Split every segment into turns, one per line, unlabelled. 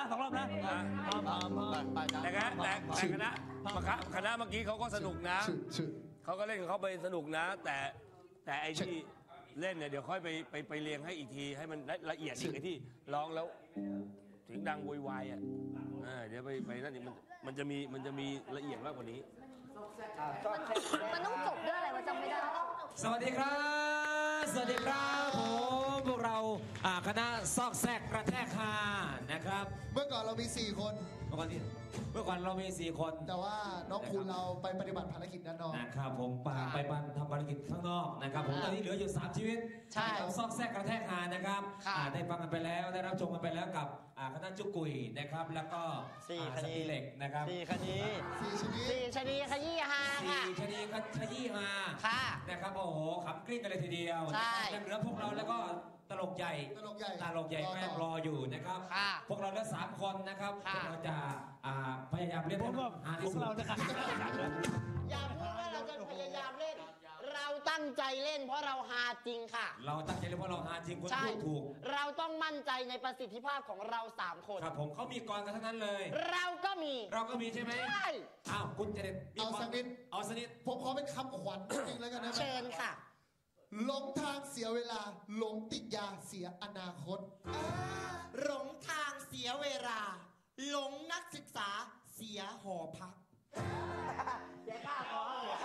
2 รอบนะแต่คณะเมื่อกี้เขาก็สนุกนะเขาก็เล่นของเขาไปสนุกนะ แต่ไอ้ที่เล่นเนี่ยเดี๋ยวค่อยไปเรียงให้อีกทีให้มันละเอียดอีกไอ้ที่ร้องแล้วเสียงดังโวยวายอ่ะเดี๋ยวไปนั่นนี่มันจะมีละเอียดมากกว่านี้
มันต้องจบด้วยอะไรวะจำไม่ได้
สวัสดีครับสวัสดีครับผมพวกเราคณะซอกแซกกระแทกฮานะครับ
เมื่อก่อนเรามี4 คน
เมื่อก่อนเรามี4 คน
แต่ว่าน้องคุณเราไปปฏิบัติภารกิจด้านนอก
นะครับผมไปทำภารกิจข้างนอกนะครับผมตอนนี้เหลืออยู่3 ชีวิต
ใช่
ซอกแซกกระแทกฮานะครับได้ฟังกันไปแล้วได้รับชมกันไปแล้วกับคณะจุกุยนะครับแล้วก็
4 คดี
เหล็กนะครับ
4 คดี
4 ชนิด
ขยี้ฮาค่ะ
4 ชนิดขยี้ฮานะครับโอ้โหขำกริ้งกันเลยทีเดียวยังเหลือพวกเราแล้วก็ตลกใหญ่แม่งรออยู่นะครับพวกเราทั้ง3 คนนะครับพวกเราจะพยายามเล่นหาที่สุด
อย่าพูดว่าเราจะพยายามเล่นเราตั้งใจเล่นเพราะเราฮาจริงค่ะ
เราตั้งใจเล่นเพราะเราฮาจริงคุณพูดถูก
เราต้องมั่นใจในประสิทธิภาพของเรา3 คน
ครับผมเขามีกรกันทั้งนั้นเลย
เราก็มี
ใช่ไหม
ใช่
คุณจะเด็ด
เอาสักนิดผมขอเป็นคำขวัญจริงแล้วกันนะ
เชิญค่ะ
หลงทางเสียเวลาหลงติดยาเสียอนาคต
หลงทางเสียเวลาหลงนักศึกษาเสียหอพักเสียค่าหอ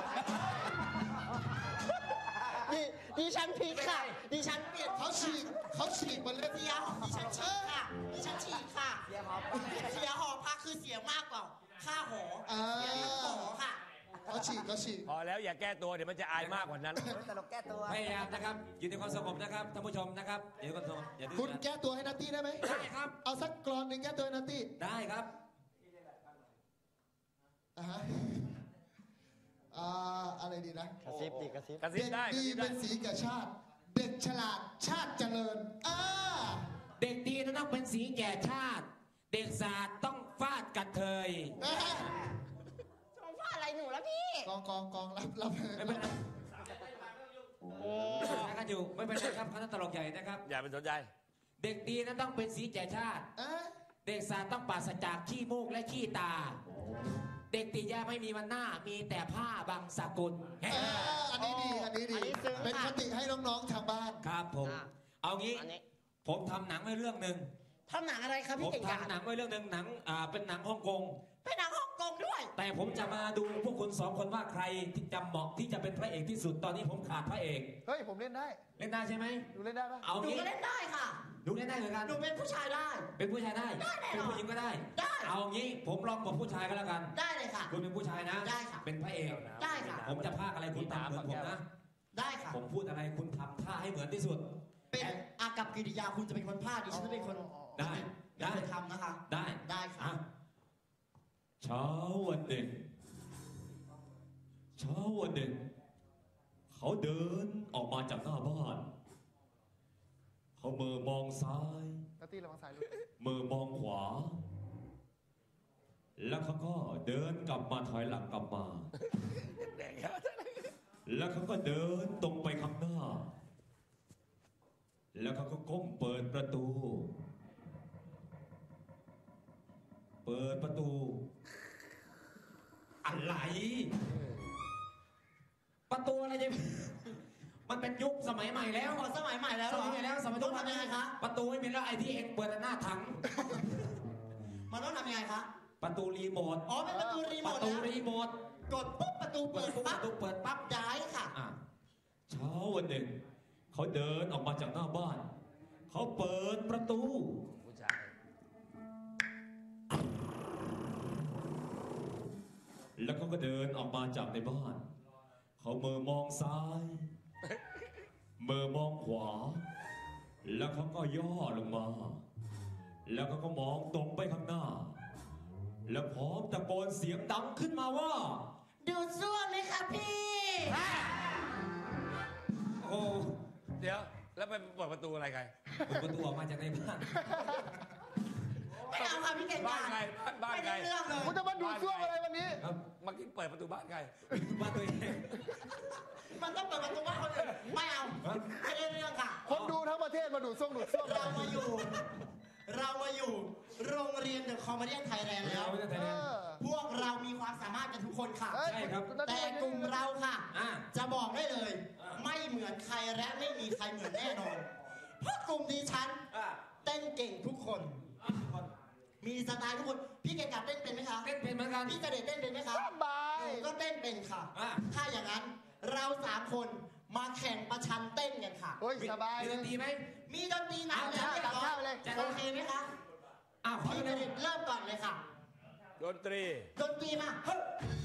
ดิฉันพีคค่ะดิฉันเปลี่ยน
เขาฉีกมันเลย
ดิฉันฉีกค่ะเสียหอพักคือเสียมากกว่าค่าหอเสียทั้งหอค่ะ
เขาฉีก
พอแล้วอย่าแก้ตัวเดี๋ยวมันจะอายมากกว่านั้น
ตลกแก้ตัว
พยายามนะครับอยู่ในความสงบนะครับท่านผู้ชมนะครับอยู่ในความสงบ
คุณแก้ตัวให้นัตตี้ได้ไหม
ได้ครับ
เอาสักกรอนหนึ่งแก้ตัวให้นัตตี้
ได้ครับ
อะไรดีนะ
กระซิบเด็ก
ดีเป็นสีแก่ชาติเด็กฉลาดชาติเจริญ
เด็กดีต้องเป็นสีแก่ชาติเด็กศาสตร์ต้องฟาดกระเทย
ต้องฟาดอะไรหนูแล้วพี่
กองรับ
ไม่เป็นไรกันอยู่ไม่เป็นไรครับคณะตลกใหญ่นะครับ
อย่าไปสนใจ
เด็กดีนั้นต้องเป็นสีแก่ชาติเด็กศาสตร์ต้องปราศจากขี้มูกและขี้ตาเด็กติดยาไม่มีวันหน้ามีแต่ผ้าบังสกุล
อันนี้ดีเป็นคติให้น้องๆทางบ้าน
ครับผมเอางี้ผมทำหนังไว้เรื่องหนึ่ง
ทำหนังอะไรครับพี่เก่ง
ผมทำหนังไว้เรื่องหนึ่งหนังเป็นหนังฮ่องกง
เป็นหนังฮ่องกงด้วย
แต่ผมจะมาดูพวกคุณ2 คนว่าใครที่จะเหมาะที่จะเป็นพระเอกที่สุดตอนนี้ผมขาดพระเอก
เฮ้ยผมเล่นได้
ใช่ไหม
ดูเล่นได้ปะ
เอางี้
ดูเล่นได้ค่ะ
ดูเล่นได้เหมือนกัน
ดูเป็นผู้ชายได้
เป็นผู้ชายได้เป็นผู้หญิงก็ได้เอางี้ผมลองบอกผู้ชายก็แล้วกัน
ได้เลยค่ะ
คุณเป็นผู้ชายนะ
ได้ค่ะ
เป็นพระเอก
ได้ค่ะ
ผมจะพากอะไรคุณทำเหมือนผมนะ
ได้ค่ะ
ผมพูดอะไรคุณทำท่าให้เหมือนที่สุด
เป็นอากับกิริยาคุณจะเป็นคนพากดิฉันจะเป็นคน
ได้
ทำนะคะ
ได้
ค่ะ
เช้าวันหนึ่งเขาเดินออกมาจากหน้าบ้านเขามือมองซ้ายมือมองขวาแล้วเขาก็เดินกลับมาถอยหลังกลับมาแล้วเขาก็เดินตรงไปข้างหน้าแล้วเขาก็ก้มเปิดประตูอะไรประตูอะไรจะมันเป็นยุคสมัยใหม่แล้ว
สมัยใหม่แล้ว
สมัยทุกวันนี้คะประตูไม่มีแล้วไอ้ที่เองเปิดหน้าถัง
มันต้องทำยังไงคะ
ประตูรีโมท
เป็นประตูรีโมทกดปุ๊บประตูเปิดปั๊บย้ายค่ะ
เช้าวันหนึ่งเขาเดินออกมาจากหน้าบ้านเขาเปิดประตูแล้วเขาก็เดินออกมาจากในบ้านเขามือมองซ้ายมือมองขวาแล้วเขาก็ย่อลงมาแล้วเขาก็มองตรงไปข้างหน้าแล้วพร้อมตะโกนเสียงดังขึ้นมาว่า
ดูดซ่วมไหมครับพี่
โอ้
เดี๋ยวแล้วไปเปิดประตูอะไรกัน
เปิดประตูออกมาจากในบ้าน
ไม่เอาค่ะพี่เก่ง
บ้านใคร
คุณจะมาดูซ่วมอะไรวันนี้
เมื่อกี้เปิดประตูบ้านใคร
บ้านตัวเอง
มันต้องเปิดประตูบ้านคนอื่นไม่เอาไม่ได้เรื่องค่ะ
คนดูทั้งประเทศมาดูซ่วม
เรามาอยู่เรามาอยู่โรงเรียนเดอะคอมเมดี้ไทยแลนด์แล้ว พวกเรามีความสามารถกันทุกคนค่ะ
ใช่ครับ
แต่กลุ่มเราค่ะ
อ่ะ
จะบอกได้เลย ไม่เหมือนใครและไม่มีใครเหมือนแน่นอน เพราะกลุ่มดิฉันเต้นเก่งทุกคน มีสไตล์ทุกคน พี่เก่งกับเต้นเป็นไหมคะ
เต้นเป็นเหมือนกัน
พี่กระเด็ดเต้นเป็นไหมคะ
บาย
หนูก็เต้นเป็นค่ะ
อ่ะ
ถ้าอย่างนั้นเรา3 คนมาแข่งประชันเต้นกันค่ะ
โอ้ยสบาย
มี
เล
ด
ย
นตรีไหม
มีดนตรีหนักแล้วเรียบร้อย
เลย
โอเคไหมคะ
อ้าวขอ
พี่ก
เล
ระ
ย
เด็ดเริ่มก่อนเลยค่ะ
ดนตรี
ดนตรีมาเฮ้ย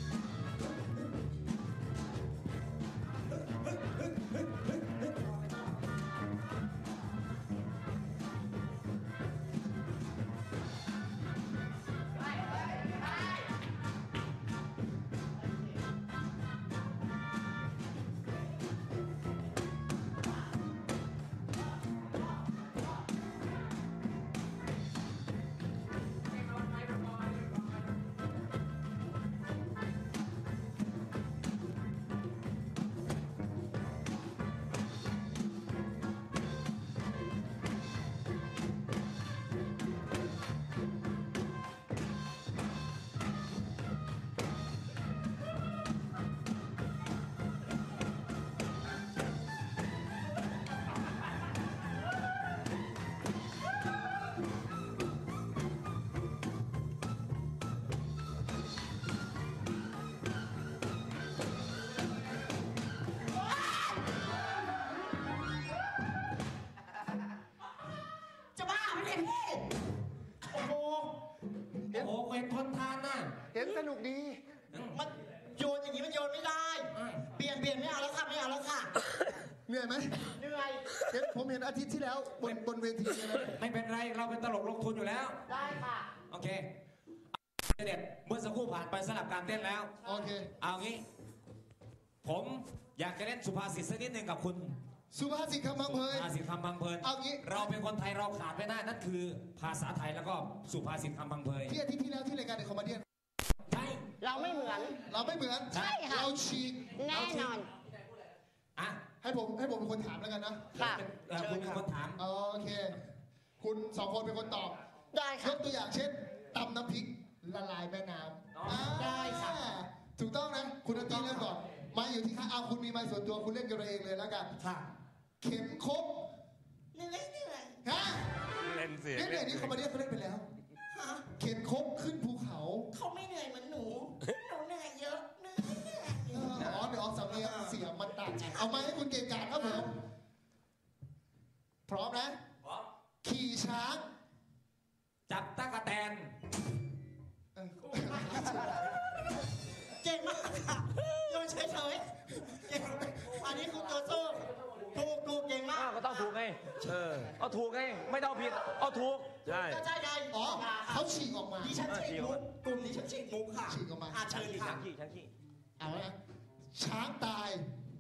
จะบ้าไม่ได้พี่ โอ้โห
โอ้โหเห็นทนทานน่ะ
เห็นสนุกดี
มันโยนอย่างนี้มันโยนไม่ได้ เปลี่ยนไม่เอาแล้วค่ะไม่เอาแล้วค่ะ
เหนื่อยไหม
เหนื่อย
ผมเห็นอาทิตย์ที่แล้วบนเวทีเลยนะ
ไม่เป็นไร เราเป็นตลกลงทุนอยู่แล้ว
ได้ค่ะ
โอเคเด็ดเมื่อสักครู่ผ่านไปสลับการเต้นแล้ว
โอเค
เอางี้ ผมอยากจะเล่นสุภาษิตสักนิดหนึ่งกับคุณ
สุภาษิตคำพังเพย
สุภาษิตคำพังเพลิน
เอางี้
เราเป็นคนไทยเราขาดไม่ได้นั่นคือ ภาษาไทยแล้วก็สุภาษิตคำพังเพย
ที่อาทิตย์ที่แล้วที่รายการเดอะคอมเมดี้
ใช่
เราไม่เหมือน
เราไม่เหมือน
ใช่ค่ะ
เราฉีก
แน่นอน
อ่ะ
ให้ผมเป็นคนถามแล้วกันนะ
ค่ะ
คุณเป็นคนถาม
โอเค คุณ2 คนเป็นคนตอบ
ได้
ย
ค่ะ
กตัวอย่างเช่นตำน้ำพริกละลายแม่น้ำ
ได้ค่ะ
ถูกต้องนะ คุณนัตตี้เริ่มก่อนไมาอยู่ที่ข้างเอาคุณมีไม้ส่วนตัวคุณเล่นกันเองเลยแล้วกัน
ค่ะ
เข็มครบ
เหนื่อย
ฮะ
เล่นเสียง
เล่นเนี่ยนี่คอมเมดี้เขาเล่นไปแล้ว
ฮะ
เข็นครบขึ้นภูเขา
เขาไม่เหนื่อยเหมือนหนู หนูเหนื่อยเยอะเหนื่อย
เดี๋ยวออกสำเนียงเสียงมันต่างกันเอามาให้คุณเก่งกาจครับผมพร้อมนะ ขี่ช้าง
จับตะกะแตน
เออ
เก่งมากค่ะโยนเฉยๆเก่งอันนี้คือตัวสู้ถูกเก่งมาก
ก็ต้องถูกไงเอาถูกไง ไม่ต้องผิด เอาถูก
ใช่
ก็ใช่ไง
อ๋อเขาฉีกออกมา
ดิฉันฉีกมุกกลุ่มดิฉันฉีกมุกค่ะ
ฉีกออกมา
เชิญค่ะ
ฉันขี้
เอาละนะช้างตาย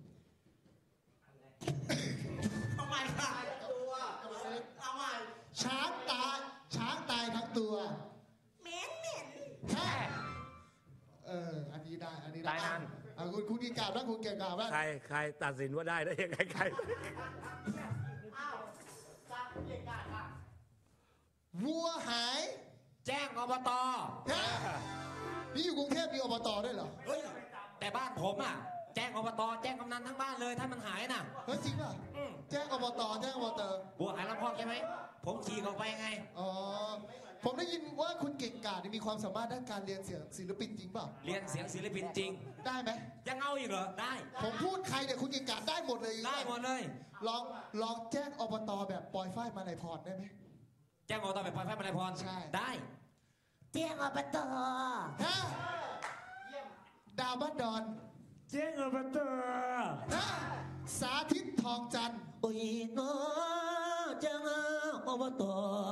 ทำไมค่ะเอาใหม่
ช้างตายทั้งตัว
เหม็น
ฮะอันนี้ได้
ตายนาน
คุณเก่งกาจบ้างคุณเก่งกาจบ้าง
ใครตัดสินว่าได้ยังไงใคร
อ้าวจากเก่งกาจค่ะ
วัวหาย
แจ้งอบต
ฮะนี่อยู่กรุงเทพมีอบตด้วยเหรอ
เฮ้ย แต่บ้านผมอ่ะ แจ้งอบต แจ้งกำนันทั้งบ้านเลย ถ้ามันหายน่ะ
เฮ้ยจริงป่ะ
อืม
แจ้งอบต
บัวหายลำพอกใช่ไหม ผมฉีกออกไปไง
อ๋อผมได้ยินว่าคุณเก่งกาจมีความสามารถด้านการเรียนเสียงศิลปินจริงเปล่า
เรียนเสียงศิลปินจริง
ได้ไหม
ยังเอาอีกเหรอ ได้
ผมพูดใครเนี่ยคุณเก่งกาจได้หมดเลย
ได้หมดเลย
ลองแจ้งอบตแบบปล่อยฝ้ายมาในพรได้ไหม
แจ้งอบตแบบปล่อยไฟมาลัยพร
ใช่
ได้
เจ้งอบต
ฮะดาวบ้านดอน
แจ้งอบต
ฮะสาธิตทองจันทร์
โอ้ยโน้เจ้งอบต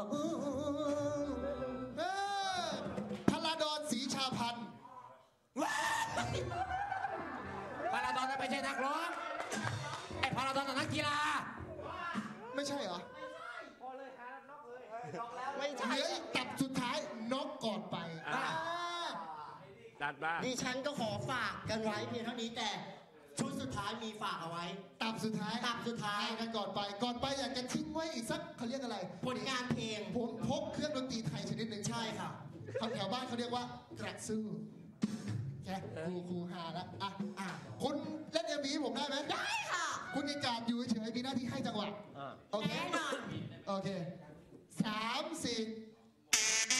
พลาดอนศรีชาพันธ์
พาราดอนนั้นไม่ใช่นักร้อง ไอ้พาราดอนน่ะนักกีฬา
ไม่ใช่เหรอ
ไม่ใช่
เหลืออีกตับสุดท้ายน็อกก่อนไป
อ่า จัดมา
ดิฉันก็ขอฝากกันไว้เพียงเท่านี้แต่ชุดสุดท้ายมีฝากเอาไว้
ตับสุดท้าย
ตับสุดท้าย
กันก่อนไปอยากจะทิ้งไว้อีกสักเขาเรียกอะไร
ผลงานเพลง
ผมพกเครื่องดนตรีไทยชนิดหนึ่ง
ใช่ค่ะ
คำแถวบ้านเขาเรียกว่ากระสู้แค่ครูหาละคุณเล่นเอ็มวีผมได้ไหม
ได้ค่ะ
คุณเก่งกาจอยู่เฉยๆมีหน้าที่ให้จังหวะโอเค
แน่นอน
โอเค3 4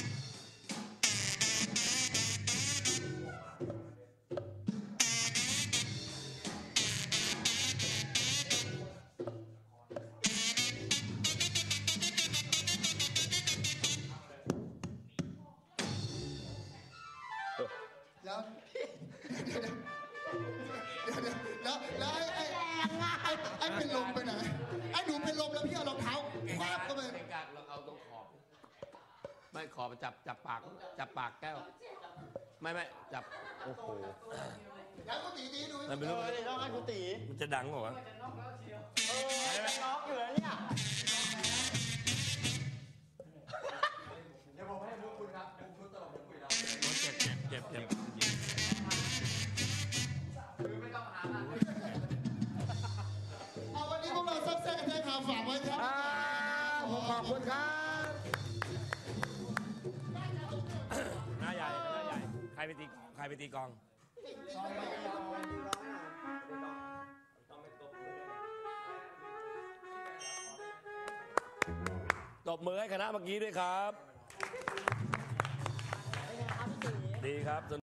แล้วแล้วไอ้เป็นลมไปไหนไอ้หนูเป็นลมแล้วพี่เอารองเท้าคว้าเข้าไป
เก่งกาจเราเอาตรงขอบ ไม่ขอบจับปากแก้ว ไม่จับ โอ้โห
แล้วก็ตีดู
มันไม่รู้
ต้องให้คุณตี
มันจะดังเหรอวะ
จะน็อกอยู่แล้วเนี่ย
เจ็บ
เอาวันนี้พวกเราซักแซกกันแท้ข่าวฝากไว้ครับ
ขอบคุณครับ
หน้าใหญ่ ใครไปตีกลอง ตบมือให้คณะเมื่อกี้ด้วยครับ ดีครับ